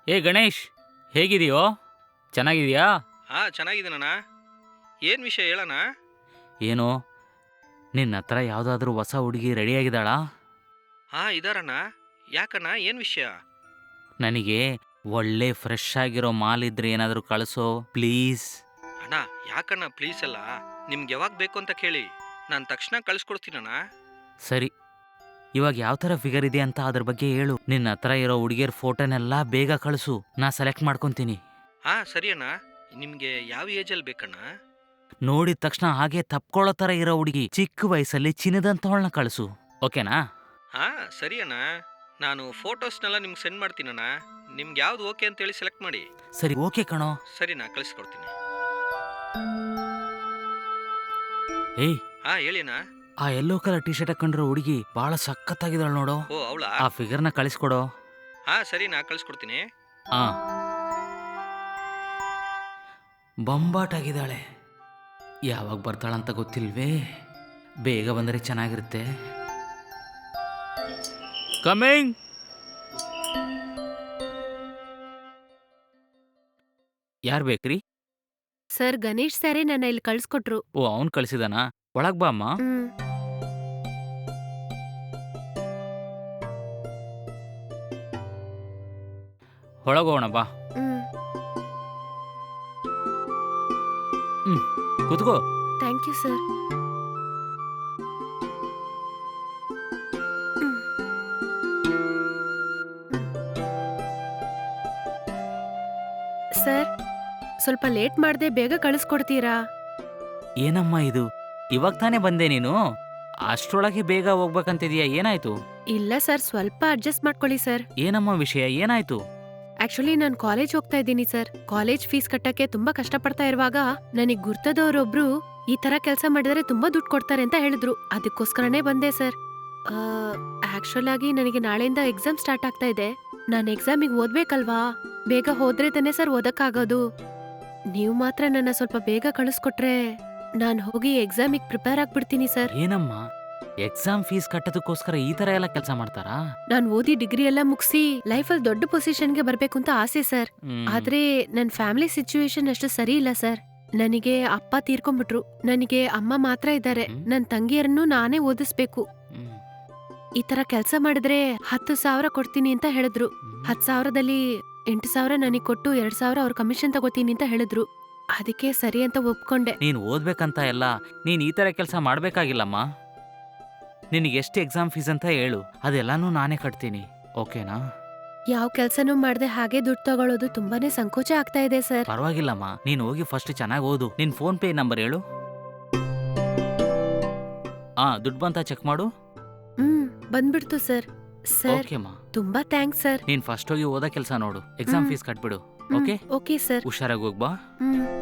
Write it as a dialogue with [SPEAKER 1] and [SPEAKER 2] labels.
[SPEAKER 1] ಏ ಗಣೇಶ್, ಹೇಗಿದೆಯೋ? ಚೆನ್ನಾಗಿದೆಯಾ?
[SPEAKER 2] ಚೆನ್ನಾಗಿದ್ದೀನಣ್ಣ. ಏನು ವಿಷಯ ಹೇಳಣ್ಣ?
[SPEAKER 1] ಏನೋ ನಿನ್ನ ಹತ್ರ ಯಾವುದಾದ್ರೂ ಹೊಸ ಹುಡುಗಿ ರೆಡಿಯಾಗಿದ್ದಾಳಾ?
[SPEAKER 2] ಇದಾರಣ್ಣ. ಯಾಕಣ್ಣ, ಏನು ವಿಷಯ?
[SPEAKER 1] ನನಗೆ ಒಳ್ಳೆ ಫ್ರೆಶ್ ಆಗಿರೋ ಮಾಲ್ ಇದ್ರೆ ಏನಾದರೂ ಕಳಿಸೋ ಪ್ಲೀಸ್.
[SPEAKER 2] ಅಣ್ಣ, ಯಾಕಣ್ಣ ಪ್ಲೀಸ್ ಅಲ್ಲ, ನಿಮ್ಗೆ ಯಾವಾಗ ಬೇಕು ಅಂತ ಕೇಳಿ, ನಾನು ತಕ್ಷಣ ಕಳಿಸ್ಕೊಡ್ತೀನಣ್ಣ.
[SPEAKER 1] ಸರಿ, ಇವಾಗ ಯಾವ ಥರ ಫಿಗರ್ ಇದೆ ಅಂತ ಅದ್ರ ಬಗ್ಗೆ ಹೇಳು. ನಿನ್ನ ಹತ್ರ ಇರೋ ಹುಡುಗಿಯರ ಫೋಟೋನೆಲ್ಲ ಬೇಗ ಕಳಿಸು, ನಾ ಸೆಲೆಕ್ಟ್ ಮಾಡ್ಕೊತೀನಿ.
[SPEAKER 2] ಸರಿ ಅಣ್ಣ. ನಿಮಗೆ ಯಾವ ಏಜಲ್ಲಿ ಬೇಕಣ್ಣ?
[SPEAKER 1] ನೋಡಿದ ತಕ್ಷಣ ಹಾಗೆ ತಪ್ಕೊಳ್ಳೋ ಥರ ಇರೋ ಹುಡುಗಿ, ಚಿಕ್ಕ ವಯಸ್ಸಲ್ಲಿ ಚಿನ್ನದಂತವಳನ್ನ ಕಳಿಸು, ಓಕೆನಾ?
[SPEAKER 2] ಸರಿ ಅಣ್ಣ. ನಾನು ಫೋಟೋಸ್ನೆಲ್ಲ ನಿಮ್ಗೆ ಸೆಂಡ್ ಮಾಡ್ತೀನಣ್ಣ. ನಿಮ್ಗೆ ಯಾವ್ದು ಓಕೆ ಅಂತೇಳಿ ಸೆಲೆಕ್ಟ್ ಮಾಡಿ.
[SPEAKER 1] ಸರಿ, ಓಕೆ ಕಣೋ.
[SPEAKER 2] ಸರಿ, ನಾ ಕಳಿಸ್ಕೊಡ್ತೀನಿ.
[SPEAKER 1] ಏಯ್,
[SPEAKER 2] ಹೇಳಿ ಅಣ್ಣ.
[SPEAKER 1] ಆ ಯೆಲ್ಲೋ ಕಲರ್ ಟಿ ಶರ್ಟ್ ಹಾಕೊಂಡಿರೋ ಹುಡುಗಿ ಬಹಳ ಸಖತ್ತಾಗಿದ್ದಾಳೆ ನೋಡು.
[SPEAKER 2] ಅವಳಾ?
[SPEAKER 1] ಆ ಫಿಗರ್ನ ಕಳಿಸ್ಕೊಡೋ.
[SPEAKER 2] ಸರಿ, ನಾ ಕಳಿಸ್ಕೊಡ್ತೀನಿ.
[SPEAKER 1] ಬೊಂಬಾಟಾಗಿದ್ದಾಳೆ. ಯಾವಾಗ ಬರ್ತಾಳಂತ ಗೊತ್ತಿಲ್ವೇ? ಬೇಗ ಬಂದರೆ ಚೆನ್ನಾಗಿರುತ್ತೆ. ಕಮಿಂಗ್. ಯಾರು ಬೇಕ್ರಿ?
[SPEAKER 3] ಸರ್, ಗಣೇಶ್ ಸರೇ ನನ್ನ ಇಲ್ಲಿ ಕಳ್ಸ್ಕೊಟ್ರು.
[SPEAKER 1] ಓ, ಅವ್ನು ಕಳಿಸಿದಾನಾ? ಒಳಗ್ ಬಾ ಅಮ್ಮ. ಒಳಗೋಣ ಬಾ. ಕೂತ್ಕೋ.
[SPEAKER 3] Thank you sir. ಸರ್, ಸ್ವಲ್ಪ ಲೇಟ್ ಮಾಡದೆ ಬೇಗ ಕಳಿಸ್ಕೊಡ್ತೀರಾ?
[SPEAKER 1] ಏನಮ್ಮ ಇದು, ಇವಾಗ ತಾನೇ ಬಂದೆ ನೀನು, ಅಷ್ಟ್ರೊಳಗೆ ಬೇಗ ಹೋಗ್ಬೇಕಂತಿದೀಯಾ? ಏನಾಯ್ತು?
[SPEAKER 3] ಇಲ್ಲ ಸರ್, ಸ್ವಲ್ಪ ಅಡ್ಜಸ್ಟ್ ಮಾಡ್ಕೊಳ್ಳಿ ಸರ್.
[SPEAKER 1] ಏನಮ್ಮ ವಿಷಯ, ಏನಾಯ್ತು?
[SPEAKER 3] ಆಕ್ಚುಲಿ ನಾನು ಕಾಲೇಜ್ ಹೋಗ್ತಾ ಇದ್ದೀನಿ ಸರ್. ಕಾಲೇಜ್ ಫೀಸ್ ಕಟ್ಟಕ್ಕೆ ತುಂಬಾ ಕಷ್ಟಪಡ್ತಾ ಇರುವಾಗ ನನಗ್ ಗುರ್ತದವ್ರೊಬ್ರು ಈ ತರ ಕೆಲಸ ಮಾಡಿದ್ರೆ ತುಂಬಾ ದುಡ್ಡು ಕೊಡ್ತಾರೆ ಅಂತ ಹೇಳಿದ್ರು. ಅದಕ್ಕೋಸ್ಕರನೇ ಬಂದೆ ಸರ್. ಆಕ್ಚುಲ್ ಆಗಿ ನನಗೆ ನಾಳೆಯಿಂದ ಎಕ್ಸಾಮ್ ಸ್ಟಾರ್ಟ್ ಆಗ್ತಾ ಇದೆ. ನಾನು ಎಕ್ಸಾಮಿಗೆ ಓದ್ಬೇಕಲ್ವಾ? ಬೇಗ ಹೋದ್ರೆ ತಾನೇ ಸರ್ ಓದಕ್ಕಾಗೋದು. ನೀವು ಮಾತ್ರ ನನ್ನ ಸ್ವಲ್ಪ ಬೇಗ ಕಳಿಸ್ಕೊಟ್ರೆ ನಾನು ಹೋಗಿ ಎಕ್ಸಾಮಿಗೆ ಪ್ರಿಪೇರ್ ಆಗ್ಬಿಡ್ತೀನಿ ಸರ್.
[SPEAKER 1] ಏನಮ್ಮ, ಎಕ್ಸಾಮ್ ಫೀಸ್ ಕಟ್ಟೋದಕ್ಕೋಸ್ಕರ ಈ ತರ ಎಲ್ಲ ಕೆಲಸ ಮಾಡ್ತಾರಾ?
[SPEAKER 3] ನಾನು ಓದಿ ಡಿಗ್ರಿ ಎಲ್ಲ ಮುಗಿಸಿ ಲೈಫಲ್ಲಿ ದೊಡ್ಡ ಪೊಸಿಷನ್ಗೆ ಬರ್ಬೇಕು ಅಂತ ಆಸೆ ಸರ್. ಆದ್ರೆ ನನ್ ಫ್ಯಾಮಿಲಿ ಸಿಚುವೇಶನ್ ಅಷ್ಟು ಸರಿ ಇಲ್ಲ ಸರ್. ನನಗೆ ಅಪ್ಪ ತೀರ್ಕೊಂಡ್ಬಿಟ್ರು. ನನಗೆ ಅಮ್ಮ ಮಾತ್ರ ಇದ್ದಾರೆ. ನನ್ ತಂಗಿಯರನ್ನು ನಾನೇ ಓದಿಸ್ಬೇಕು. ಈ ತರ ಕೆಲಸ ಮಾಡಿದ್ರೆ 10,000 ಕೊಡ್ತೀನಿ ಅಂತ ಹೇಳಿದ್ರು. 10,000ದಲ್ಲಿ 8,000 ನನಗ್ ಕೊಟ್ಟು 2,000 ಅವ್ರ ಕಮಿಷನ್ ತಗೋತೀನಿ ಅಂತ ಹೇಳಿದ್ರು. ಅದಕ್ಕೆ ಸರಿ ಅಂತ ಒಪ್ಕೊಂಡೆ.
[SPEAKER 1] ನೀನ್ ಓದ್ಬೇಕಂತ ಎಲ್ಲ ನೀನ್ ಈ ತರ ಕೆಲಸ ಮಾಡ್ಬೇಕಾಗಿಲ್ಲಮ್ಮ. ನಿನಗೆ ಎಷ್ಟು ಎಕ್ಸಾಮ್ ಫೀಸ್ ಅಂತ ಹೇಳು, ಅದೆಲ್ಲಾನು ನಾನೇ ಕಟ್ತೀನಿ, ಓಕೆನಾ?
[SPEAKER 3] ಯಾವ ಕೆಲ್ಸನೂ ಮಾಡ್ದೆ ಹಾಗೆ ದುಡ್ಡು ತಗೊಳ್ಳೋದು ತುಂಬಾನೇ ಸಂಕೋಚ ಆಗ್ತಾ ಇದೆ ಸರ್.
[SPEAKER 1] ಪರವಾಗಿಲ್ಲಮ್ಮ, ನೀನ್ ಹೋಗಿ ಫಸ್ಟ್ ಚೆನ್ನಾಗಿ ಓದು. ನಿನ್ ಫೋನ್ ಪೇ ನಂಬರ್ ಹೇಳು. ದುಡ್ಡು ಬಂತ ಚೆಕ್ ಮಾಡು.
[SPEAKER 3] ಬಂದ್ಬಿಡ್ತು ಸರ್. ಸರ್,
[SPEAKER 1] ಓಕೆಮ್ಮ,
[SPEAKER 3] ತುಂಬಾ ಥ್ಯಾಂಕ್ಸ್ ಸರ್.
[SPEAKER 1] ನೀನ್ ಫಸ್ಟ್ ಹೋಗಿ ಓದೋ ಕೆಲಸ ನೋಡು, ಎಕ್ಸಾಮ್ ಫೀಸ್ ಕಟ್ಬಿಡು. Okay
[SPEAKER 3] okay sir.
[SPEAKER 1] ಹುಷಾರಾಗಿ ಹೋಗ್ಬಾ.